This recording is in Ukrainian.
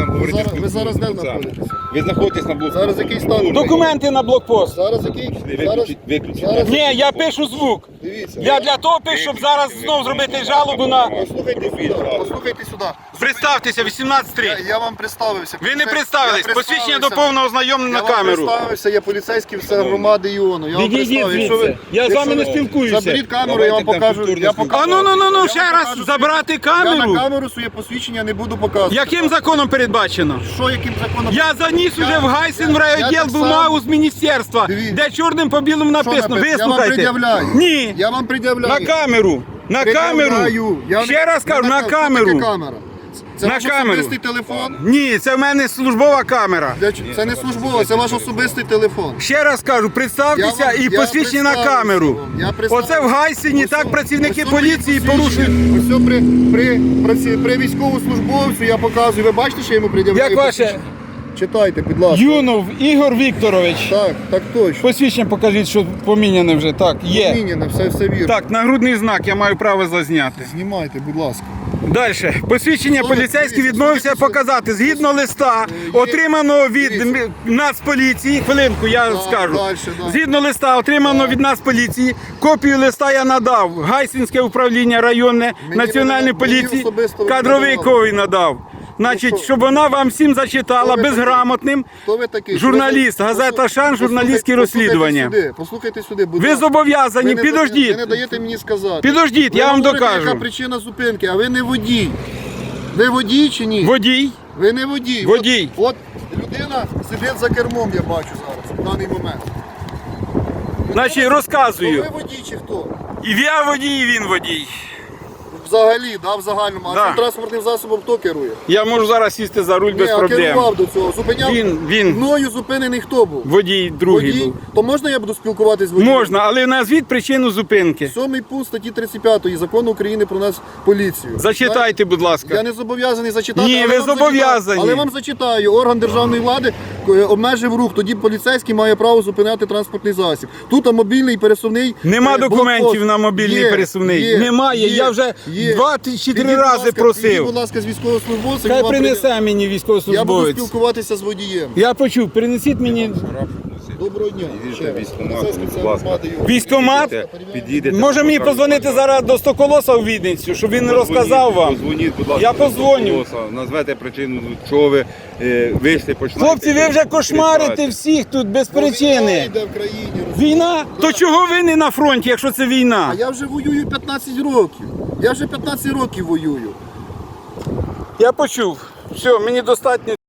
там говорити. Ви зараз де знаходитесь? Ви знаходитесь на блокпосту. Зараз який стан? Документи на блокпост. Зараз який? Виключіть. Зараз Ні, який? я пишу звук. Дивіться. Я для того пишу, щоб зараз знов зробити жалобу на... Послухайте сюди. Представтеся, 18.3. Я вам представився. Ви не представились. Я Посвідчення до представився. повного ознайомлення Я на вам камеру. представився, я поліцейський все громади Іону. Я вам Відійдіть представив. Якщо звідси. Я з вами не якщо ви спілкуюся. Заберіть камеру, я вам покажу. А ну, ще раз забрати Я камеру. на камеру своє посвідчення не буду показувати. Яким законом передбачено? Що, яким законом? Я заніс уже в Гайсен в райвідділ так бумагу само. з міністерства, Дивіться. де чорним по білому написано. Я вам Вислухайте. пред'являю. Ні. Я вам пред'являю. На камеру. На камеру. Пред'являю. Я Ще раз кажу, на Що камеру. таке камера? Це На ваш камеру. особистий телефон? Ні, це в мене службова камера. Це не службова, це ваш особистий телефон. Ще раз кажу, представтеся Я вам- і я посвідчення на представився камеру. вам. Я представився. Оце в Гайсені так працівники поліції порушують. Ось при військовослужбовцю я показую. Ви бачите, що я йому пред'являю? Як ваше? посвідчення? Читайте, будь ласка. Юнов Ігор Вікторович. Так точно. Посвідчення покажіть, що поміняне вже. Так, є. Міняне, все вірно. Так, нагрудний знак, я маю право зазняти. Знімайте, будь ласка. Далі. Посвідчення Слухайте, поліцейський дивіться, відмовився слухайте, показати згідно листа, є- отриманого від дивіться. Нацполіції. Хвилинку, я Так, скажу. дальше, да. Згідно листа, отриманого від Нацполіції. Копію листа я надав. Гайсинське управління районне Національної мені поліції. особисто ви Кадровий не давали. ковій надав. Значить, що? щоб вона вам всім зачитала Хто ви безграмотним. Хто ви такий? Журналіст, Ви- газета «Шан», журналістські Послухайте розслідування. Послухайте сюди, будь Ви ласка. зобов'язані, Ви не підождіть. Ви не даєте мені сказати. Підождіть, Ви я вам говорите, докажу. яка причина зупинки, а ви не водій. Ви водій чи ні? Водій. Ви не водій. Водій. От людина сидить за кермом, я бачу зараз, в даний момент. Значить, То розказую. ви водій чи хто? І я водій, і він водій. Взагалі, в загальному. А Да. цим транспортним засобом хто керує? Я можу зараз сісти за руль без Ні, а проблем. керував до цього. Зупиняв. Він. Мною зупинений хто був? Водій другий Водій. був. То можна я буду спілкуватись з водієм? Можна, але назвіть причину зупинки. 7 пункт статті 35 Закону України про нас поліцію. Зачитайте, будь Я ласка. не зобов'язаний зачитати. Ні, але ви вам зачитаю. зобов'язані. Але вам зачитаю. Орган державної влади обмежив рух. Тоді поліцейський має право зупиняти транспортний засіб. Тут мобільний пересувний. Нема блокпост. документів на мобільний пересувний. Немає. Я вже 2 чи 3 рази просив. Підіть, будь ласка, з військовослужбовцем. Хай вам принесе мені Я буду військовослужбовець. спілкуватися з водієм. Я почув, принесіть мені Доброго дня. Ще раз. Поліцейський Будь це ласка. громади Іону. військкомат. Підійдете. Може мені позвонити зараз до Стоколоса у Відницю, щоб він розказав вам. Позвоніть, будь ласка. Я до позвоню. Соколоса, назвете причину, чого ви вийшли, починаєте. Хлопці, ви вже кошмарите кричати. всіх тут без Війна причини. йде в країні. Війна? То чого ви не на фронті, якщо це А війна? я вже воюю 15 років. Я вже 15 років воюю. Я почув. Все, мені достатньо.